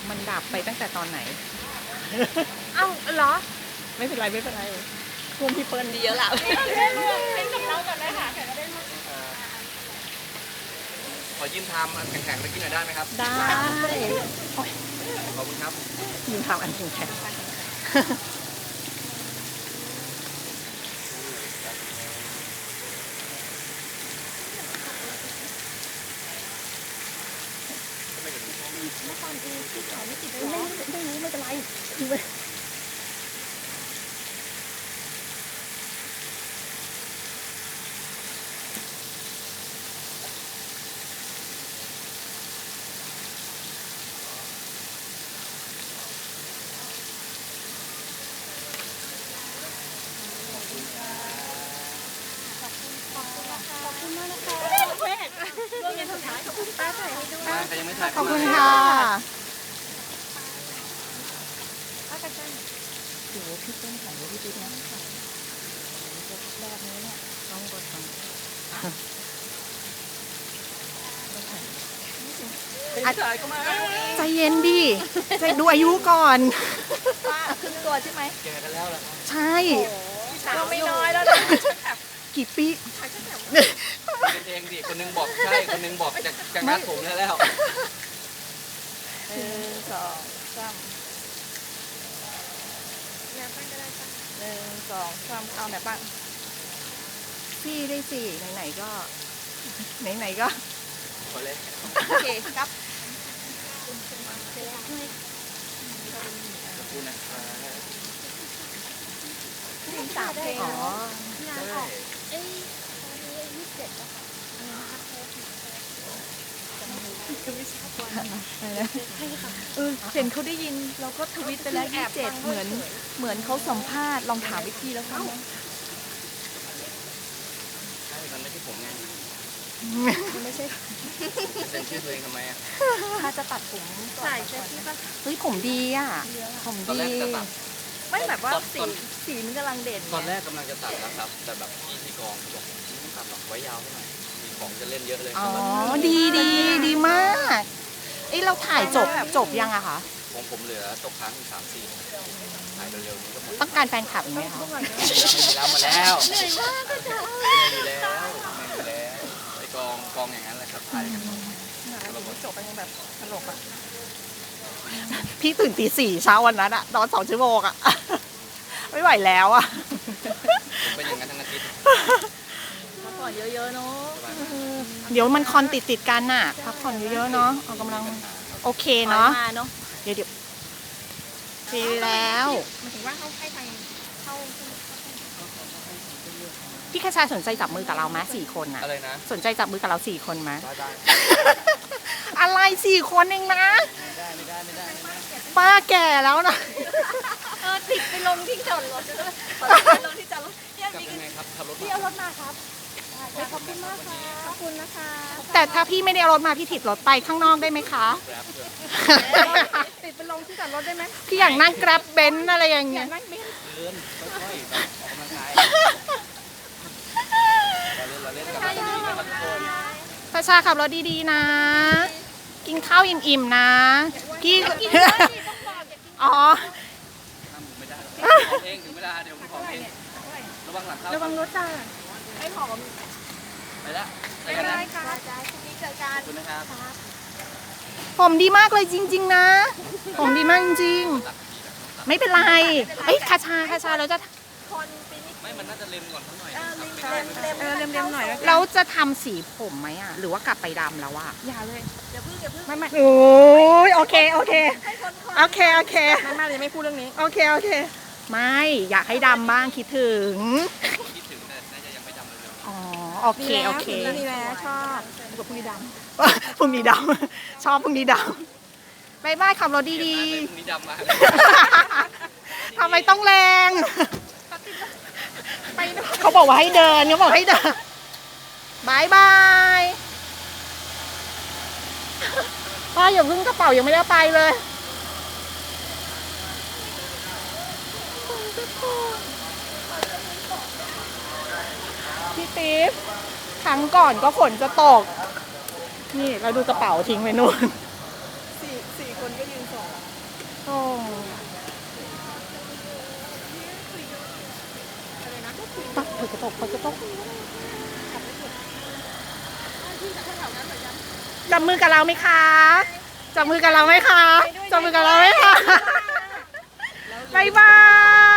มันดับไปตั้งแต่ตอนไหนเอ้าเหรอไม่เป็นไรไม่เป็นไรคุมพี่เปิ้ลดีแล้วล่ะเป็นกับเราก่อนเลยค่ะแขกก็ได้รู้ขอยืมทำแข็งๆไปกินหน่อยได้ไหมครับได้ขอบคุณครับยืนทำอันแข็งไม่เป็นไรร่วมเย็นสุดท้ายขอบคุณป้าถ่ายให้ด้วยใครยังไม่ถ่ายขอบคุณค่ะเดี๋ยวพี่เปิ้ลถ่ายไว้พี่ติ๊กนะแบบนี้เนี่ยต้องกดทำใจเย็นดิใจดูอายุก่อนป้าครึ่งตัวใช่ไหมแกกันแล้วล่ะครับใช่ก็ไม่น้อยแล้วนะกี่ปีเป็นเองดิคนนึงบอกใช่คนนึงบอกจะงัดผมแล้ว 1 2 3 1 2 3เอาไหนบ้างพี่ได้สิไหนๆก็ไหนๆก็ขอเลยโอเคครับขอบคุณนะครับ 3 เพลงอ๋อ เห็นเขาได้ยินเราก็ทวิตไปแล้ว27เหมือนเขาสัมภาษณ์ลองถามวิธีแล้วกันใช่มันไม่ใช่ผมไงไม่ใช่เซ็นชื่อตัวเองทำไมอ่ะถ้าจะตัดผมก่อนใส่เสื้อที่ป้าเฮ้ยผมดีอ่ะผมตอนแรดีกจะตัดไม่แบบว่าสีมันกำลังเด่นตอนแรกกำลังจะตัดแล้วครับ แต่แบบพี่ที่กองบอกไม่ตัดหรอกไว้ยาวเท่าไหร่มีของจะเล่นเยอะเลยอ๋อดีมากเอ้ยเราถ่ายจบยังอะคะของผมเหลือตกค้างอีก3-4ถ่ายเร็วๆนี้ก็หมดต้องการแฟนคลับอีกไหมคะไม่มีแล้วมาแล้วเหนื่อยมากก็จะไม่มีแล้วไอ้กองอย่างนั้นแหละครับถ่ายกันจบไปยังแบบตลกอะพี่ตื่นตี 4เช้าวันนั้นอะนอน2 ชั่วโมงอะไม่ไหวแล้วอะผมเป็นอย่างนั้นทั้งอาทิตย์พักผ่อนเยอะๆเนาะเดี๋ยวมันคอนติดกันน่ะพักผ่อนเยอะๆเนาะออกกำลังโอเคเนาะมาเนาะเดี๋ยวดีแล้วหมายถึงว่าเขาให้ไปเข้าพี่คชาสนใจจับมือกับเราไหม4 คนน่ะอะไรนะสนใจจับมือกับเรา4 คนไหมได้อะไร4 คนเองนะไม่ได้ป้าแก่แล้วนะติดไปลงที่จอดรถเลยไปลงที่จอดรถเนี่ยกลับมียังไงครับขับรถพี่เอารถมาครับขอบคุณมากค่ะขอบคุณนะคะแต่ถ้าพี่ไม่ได้เอารถมาพี่ถิดรถไปข้างนอกได้ไหมคะแกร็บเพื่อนติดไปลงที่จอดรถได้ไหมพี่อยากนั่งแกร็บเบนซ์อะไรอย่างอเงี้ยาย กนั่งบินเดินค่อยๆแบบออกกำลังกายเราเล่นกับเราดีนะครับทุกคนประชาขับรถดีๆนะ กินข้าวอิ่มๆนะพี่ อ๋อห้ามผมไม่ได้ของเองถึงเวลาเดี๋ยวผมของเองระวังหลังเข้าระวังรถจ้าไอ้หอมไปละไปไม่กันเป็นนะไรค่ะพรุ่งนี้เจอกันขอบคุณนะครับผมดีมากเลยจริง ๆ นะ ผมดีมากจริงๆไม่เป็นไรเอ้ยคาชาเราจะคนปีนี้ไม่มันน่าจะเล็มก่อนสักหน่อยเล็มหน่อยแล้วเราจะทำสีผมไหมอ่ะ หรือว่ากลับไปดำแล้วอ่ะอย่าเลยอย่าเพิ่งไม่โอ้ยโอเคโอเคโอเคไม่ยังไม่พูดเรื่องนี้โอเคไม่อยากให้ดำบ้างคิดถึงคิดถึงแต่น่าจะยังไม่ดำเลยอ๋อโอเคมีแล้วชอบกับผู้ดีดพรุ่งนี้ดำชอบพรุ่งนี้ดำบายบายขับรถดีพรุ่งนี้ดำมาๆทำไมต้องแรงเขาบอกว่าให้เดินบายบายป้าอย่าเพิ่งกระเป๋ายังไม่ได้ไปเลยพี่ติ๊ฟครั้งก่อนก็ฝนจะตก นี่เราดูกระเป๋าทิ้งไว้นู่น 4 คนก็ยืนส่งโอ้ปะเปิดกระจกจับมือกับเราไหมคะจับมือกับเราไหมคะจับมือกับเราไหมคะบ๊ายบาย